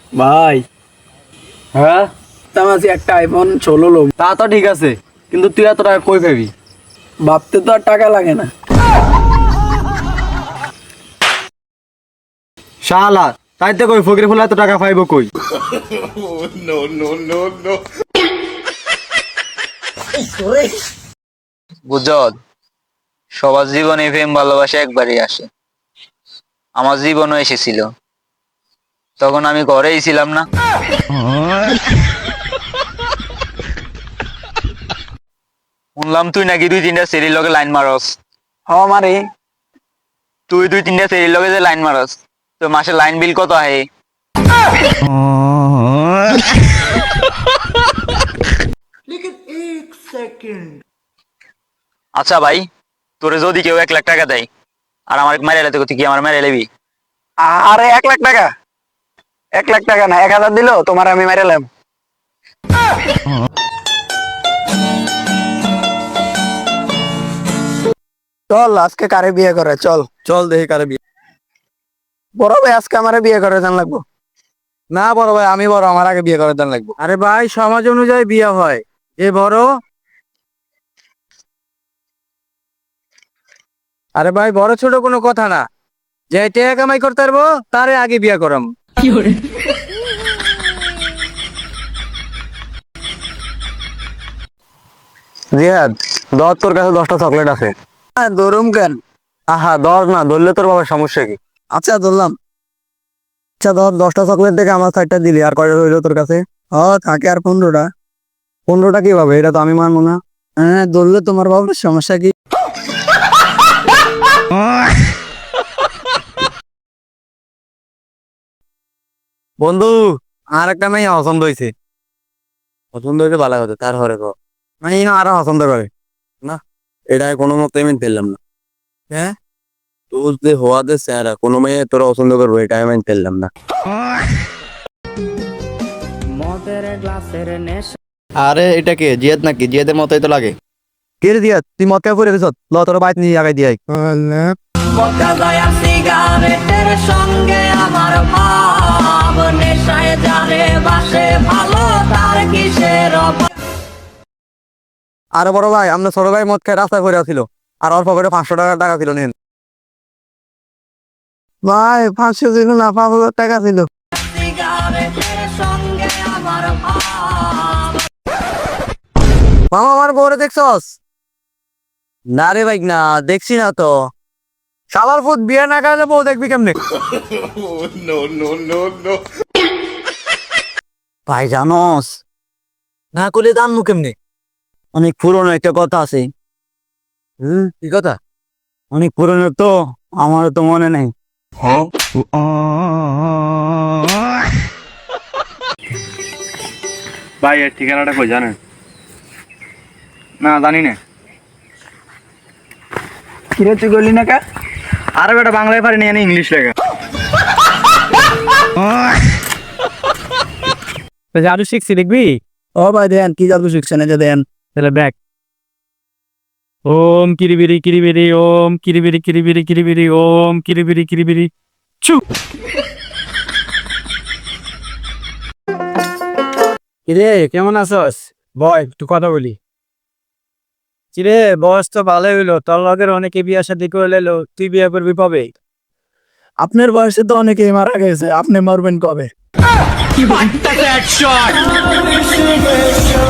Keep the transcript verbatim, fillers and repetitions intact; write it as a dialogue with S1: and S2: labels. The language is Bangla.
S1: ভাই
S2: হ্যাঁ
S1: তামাজি একটা আইফোন ষোলো লোক
S2: তা তো ঠিক আছে, কিন্তু তুই এত টাকা কই পাবি?
S1: ভাবতে তো আর টাকা লাগে না।
S2: শালা তাইতে কই ফকির ফুলা এত টাকা পাইব কই?
S3: বুঝল, সবার জীবনে প্রেম ভালোবাসা একবারই আসে। আমার জীবনও এসেছিল, তখন আমি ঘরেই ছিলাম না। শুনলাম তুই নাকি দুই তিনটা সেরির লগে লাইন মারস।
S1: হ মারে
S3: তুই দুই তিনটা সেরির লগে যে লাইন মারস, তো মাসে লাইন বিল কত আহে? আচ্ছা ভাই, তোরে যদি কেউ এক লাখ টাকা দেয় আর আমার মেরে এলে, তুই কি আমার মেরে এলেবি?
S1: আরে এক লাখ টাকা এক লাখ টাকা না, এক হাজার দিল তোমার আমি মেরেলাম। চল আজকে কারে বিয়ে করে, চল
S2: চল দেখি কারে বিয়ে।
S1: বড় ভাই আজকে আমারে বিয়ে করে জান লাগবো।
S2: না বড় ভাই, আমি বড়, আমার আগে বিয়ে করার দান লাগবে। আরে ভাই, সমাজ অনুযায়ী বিয়ে হয়, এ বড়। আরে ভাই, বড় ছোট কোনো কথা না, যে টাকা কামাই করতে পারবো তারে আগে বিয়ে করাম। রিয়াদ, ধর তোর কাছে দশটা চকলেট আছে।
S1: হ্যাঁ দরুম কেন?
S2: আহা ধর না, ধরলে তোর বাবার সমস্যা কি?
S1: আচ্ছা ধরলাম।
S2: আচ্ছা ধর, দশটা চকলেট থেকে আমার সাইডটা দিলি, আর কয়টা রইলো তোর কাছে?
S1: ও থাকে আর পনেরোটা।
S2: পনেরোটা কিভাবে? এটা তো আমি মানবো না।
S1: হ্যাঁ ধরলে তোমার বাবার সমস্যা কি?
S2: বন্ধু, আর একটা মেয়ে পছন্দ হয়েছে। পছন্দ হয়েছে ভালো হতো, তার হরে কো মানে আরো পছন্দ করে না, এটা কোনো মতে আমি পেলাম না। হ্যাঁ, তোর যে হওয়াতে স্যারা কোনো মেয়ে তোরা পছন্দ করবো, এটা আমি পেলাম না। আরে এটা কে, জিয়াদ নাকি? জিয়াদের মতোই তো লাগে। কে রে জিয়াদ, তুই মদ খাই পড়ে গেছ? ল তোর বাইক নিয়ে আগাই দিয়ে
S4: সঙ্গে আমার ভাব নেশায় যারে বাসে ভালো তার কিসের অভাব।
S2: আরে বড় ভাই, আমরা ছোট ভাই মদ খাই রাস্তায় পড়ে ছিল, আর অল্প করে পাঁচশো টাকা টাকা ছিল, নেন।
S1: ভাই পাঁচশো ছিল না, পাঁচ হাজার টাকা ছিল।
S4: সিগারেটের সঙ্গে আমার ভাব।
S2: মামা আমার বউরে দেখছস? না রে ভাই, না দেখছি না তো। শালার ফুট, বিয়ে না করলে বউ দেখবি কেমনে? ভাই জানোস, না করলে জানবো কেমনে? অনেক পুরনো একটা কথা আছে। হুম, কি কথা? অনেক পুরনো তো, আমার তো মনে নেই। ভাই এর ঠিকানাটা কই জানেন? না জানি না।
S1: কিরে তুই গলি না কা?
S2: আরে বেটা, বাংলায় পারি না, ইংলিশ লেখা।
S5: জাদু শিখছি দেখবি?
S1: ও ভাই দেন কি জাদু শিখছেন, এই যে দেন।
S5: তাহলে দেখ। ওম কিরিবিরি কিরিবিরি ওম কিরিবিরি কিরিবিরি কিরিবিরি ওম কিরিবিরি কিরিবিরি চু। কিরে কেমন আছস? বয় একটু কথা বলি। কিরে বয়স তো ভালোই হইলো, তোর লগের অনেকে বিয়া শাদী করে লেলো, তুই বিয়ে করবি কবে?
S1: আপনার বয়সে তো অনেকেই মারা গেছে, আপনি মরবেন কবে?
S4: কি